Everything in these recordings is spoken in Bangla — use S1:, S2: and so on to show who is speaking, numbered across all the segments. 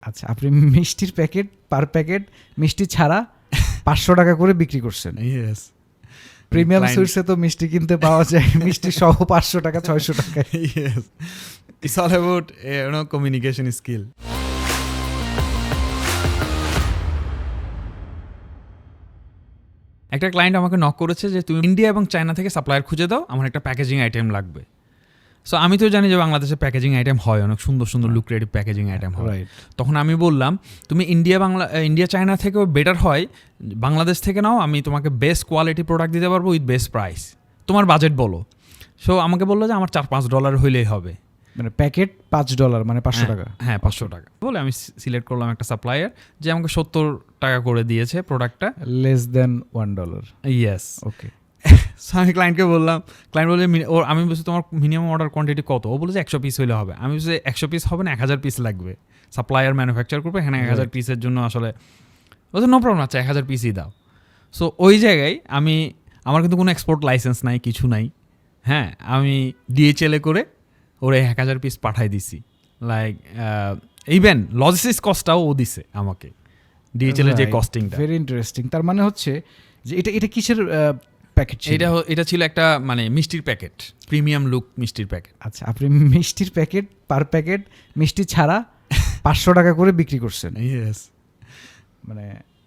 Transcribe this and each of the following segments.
S1: আচ্ছা, আপনি মিষ্টির প্যাকেট পার প্যাকেট মিষ্টি ছাড়া 500 টাকা করে বিক্রি করছেন।
S2: ইয়েস,
S1: প্রিমিয়াম সুইটসে তো মিষ্টি কিনতে পাওয়া যায় মিষ্টি সহ 500 টাকা 600 টাকা।
S2: Yes, it's all about communication skill. একটা ক্লায়েন্ট আমাকে নক করেছে যে তুমি ইন্ডিয়া এবং চায়না থেকে সাপ্লায়ার খুঁজে দাও, আমার একটা প্যাকেজিং আইটেম লাগবে। সো আমি তো জানি যে বাংলাদেশে প্যাকেজিং আইটেম হয়, অনেক সুন্দর সুন্দর লুক্রেটিভ প্যাকেজিং আইটেম হয়। তখন আমি বললাম তুমি ইন্ডিয়া চায়না থেকেও বেটার হয় বাংলাদেশ থেকে নাও, আমি তোমাকে বেস্ট কোয়ালিটি প্রোডাক্ট দিতে পারবো উইথ বেস্ট প্রাইস, তোমার বাজেট বলো। সো আমাকে বললো যে আমার $4-5 হইলেই হবে,
S1: মানে প্যাকেট $5 মানে 500 টাকা।
S2: হ্যাঁ 500 টাকা বলে আমি সিলেক্ট করলাম একটা সাপ্লায়ার যে আমাকে 70 টাকা করে দিয়েছে প্রোডাক্টটা,
S1: less than $1।
S2: Yes,
S1: okay.
S2: So আমি ক্লায়েন্টকে বললাম, ক্লায়েন্ট বলে আমি বলছি তোমার মিনিমাম অর্ডার কোয়ান্টিটি কত? ও বলেছে 100 পিস হইলে হবে। আমি বলছি 100 পিস হবে না, 1000 পিস লাগবে, সাপ্লায়ার ম্যানুফ্যাকচার করবে, হ্যাঁ 1000 পিসের জন্য আসলে বলছে নো প্রবলেম, আচ্ছা 1000 পিসই দাও। সো ওই জায়গায় আমার কিন্তু কোনো এক্সপোর্ট লাইসেন্স নাই, কিছু নাই, হ্যাঁ আমি DHL করে ওরে 1000 পিস পাঠাই দিছি। লাইক ইভেন লজিস্টিক্স কস্টটাও ও দিছে আমাকে, DHL এর যে কস্টিংটা।
S1: Very interesting. তার মানে হচ্ছে যে এটা কিসের প্যাকেট ছিল?
S2: এটা ছিল একটা মানে মিষ্টির প্যাকেট, প্রিমিয়াম লুক মিষ্টির প্যাকেট।
S1: আচ্ছা, আপনি মিষ্টির প্যাকেট পার প্যাকেট মিষ্টি ছাড়া 500 টাকা করে বিক্রি করছেন।
S2: ইয়েস,
S1: মানে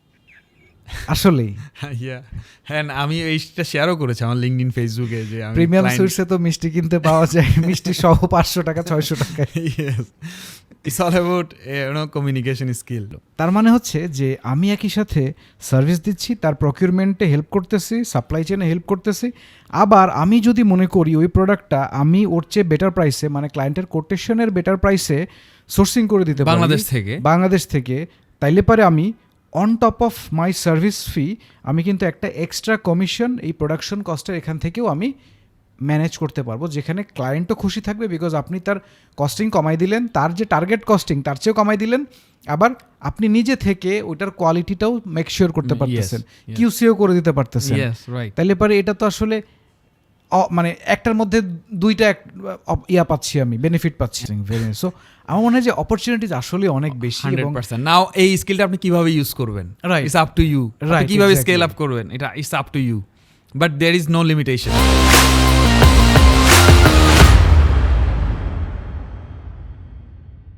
S1: আসলেই
S2: হ্যাঁ আমি এইটা শেয়ারও করেছি আমার লিঙ্কডইন ফেসবুকে যে
S1: প্রিমিয়াম সুইটসে তো মিষ্টি কিনতে পাওয়া যায় মিষ্টি সহ 500 টাকা 600 টাকা।
S2: Yes, it's all about communication skill.
S1: তার মানে হচ্ছে যে আমি একই সাথে সার্ভিস দিচ্ছি, তার প্রকিউরমেন্টে হেল্প করতেছি, সাপ্লাই চেনে হেল্প করতেছি, আবার আমি যদি মনে করি ওই প্রোডাক্টটা আমি ওর চেয়ে বেটার প্রাইসে, মানে ক্লায়েন্টের কোটেশনের বেটার প্রাইসে সোর্সিং করে দিতে পারি বাংলাদেশ থেকে, তাইলে পারে আমি on top of my service fee আমি কিন্তু একটা এক্সট্রা কমিশন এই প্রোডাকশন কস্টের এখান থেকেও আমি ম্যানেজ করতে পারবো, যেখানে ক্লায়েন্টও খুশি থাকবে বিকজ আপনি তার কস্টিং কমাই দিলেন, তার যে টার্গেট কস্টিং তার চেয়েও কমাই দিলেন, আবার আপনি নিজে থেকে ওইটার কোয়ালিটিটাও মেক শিওর করতে পারতেছেন, কিউসিও করে দিতে পারতেছেন। তাইলে পারে এটা তো আসলে মানে একটার মধ্যে দুইটা পাচ্ছি, আমি বেনিফিট পাচ্ছি। সো আমার মনে হয় যে অপরচুনিটিজ আসলে অনেক বেশি।
S2: 100%। নাও এই স্কিলটা আপনি কিভাবে ইউজ করবেন, ইটস আপ টু ইউ। কিভাবে স্কেল আপ করবেন, এটা it's up to you, but there is no limitation.